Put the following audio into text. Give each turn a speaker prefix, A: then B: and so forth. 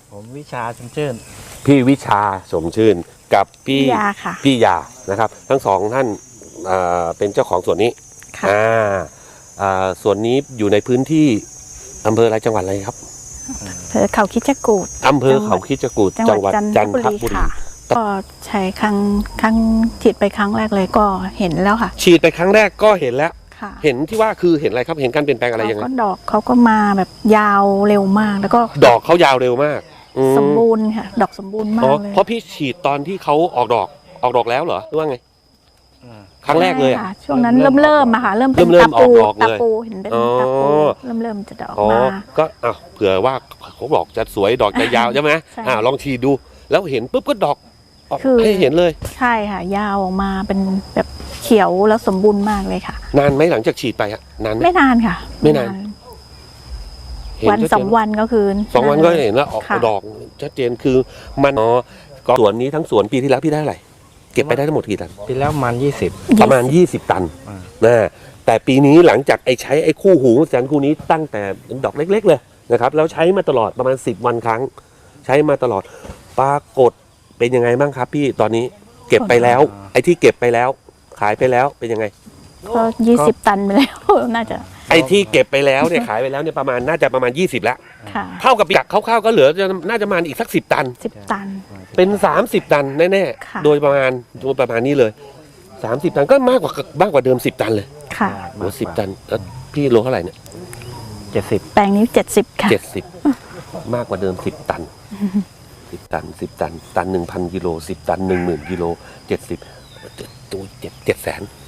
A: ผมวิชาชมชื่น
B: พี่วิชาสมชื่นกับพี่
C: ยาค่ะ
B: พี่ยานะครับ ทั้งสองท่านเป็นเจ้าของสวนนี้
C: ค่ะ
B: สวนนี้อยู่ในพื้นที่อำเภออะไรจังหวัดอะไรครับ
C: อำเภอเขาคิดจกูฏ
B: อำเภอเขาคิดจกูฏ
C: จั
B: จั
C: ง
B: ง
C: ห
B: ห
C: วั
B: วั
C: ด
B: ด
C: จั
B: จั
C: น
B: น
C: ท
B: ท
C: บุ
B: บุ
C: รี
B: รี
C: ค่ะ ก็ใช้ครั้งฉีดไปครั้งแรกเลยก็เห็นแล้วค่ะ
B: ฉีดไปครั้งแรกก็เห็นแล้ว
C: ค่ะ
B: เห็นที่ว่าคือเห็นอะไรครับเห็นการเปลี่ยนแปลงอะไรยังไง
C: เขาก็ดอกเขาก็มาแบบยาวเร็วมากแล้วก็
B: ดอกเขายาวเร็วมากอืม
C: สมบูรณ์ค่ะ ดอกสมบูรณ์มา
B: อ๋
C: ก
B: อ
C: เลย
B: เพราะพี่ฉีดตอนที่เขาออกดอกแล้วเหรอหรือว่าไงครั้งแรกเลยอะ
C: ใช่ค่ะช่วงนั้นเริ่มอะค่ะเริ่มเป็น
B: เริ่
C: ตาม
B: อ
C: ปู
B: อกดอกเลย
C: ตาปูเห็นเป็น
B: อ๋อ
C: ตาปูเริ่มจะดอก
B: อ๋อ
C: มา
B: ก็เผื่อว่าเขาบอกจะสวยดอกจะยาวใช่ไหม
C: ใช่
B: ลองฉีดดู แล้วเห็นปุ๊บก็ดอกออก
C: คือ
B: ให้เห็นเลย
C: ใช่ค่ะ ยาวออกมาเป็นแบบเขียวแล้วสมบูรณ์มากเลยค่ะ
B: นานไหมหลังจากฉีดไปอะนานไหม
C: ไม่นานค่ะ
B: ไม่นาน เห็
C: วัน
B: ชัดเจ
C: สองวันก็คือ
B: สองวันก็เห็นแล้วออก
C: ค่ะ
B: ดอกชัดเจนคือมันก็สวนนี้ทั้งสวนปีที่แล้วพี่ได้เท่าไหร่เก็บไปได้ทั้งหมดกี่ตัน
A: ปีแล้วมัน20
B: ประมาณ 20 ตัน
A: อ่า
B: นะแต่ปีนี้หลังจากใช้ไอ้คู่หูจันคู่นี้ตั้งแต่เป็นดอกเล็ก ๆ เลยนะครับแล้วใช้มาตลอดประมาณ10 วันครั้ง ใช้มาตลอดปรากฏเป็นยังไงบ้างครับพี่ตอนนี้เก็บไปแล้ว ไอ้ที่เก็บไปแล้ว ขายไปแล้วเป็นยังไง
C: ก็20 ตันไปแล้ว น่าจะ
B: ไอ้ที่เก็บไปแล้วเนี่ยขายไปแล้วเนี่ยน่าจะประมาณ20แล้ว
C: ค่ะ
B: เท่ากับจากคร่าวๆก็เหลือน่าจะประมาณอีกสัก10 ตัน
C: 10 ตัน
B: เป็น30 ตันแน่
C: ค่ะ
B: ๆโดยประมาณนี้เลย30 ตันก็มากกว่าเดิม10 ตันเลย
C: ค่ะ
B: โอ้10 ตันแล้วพี่โลเท่าไหร่เนี่ย
A: 70
C: แปลงนี้70 ค่ะ
B: 70 มากกว่าเดิม10 ตัน10 ตัน10 ตันตัน 1,000 กิโล10 ตัน 10,000 กิโล70ตัว700,000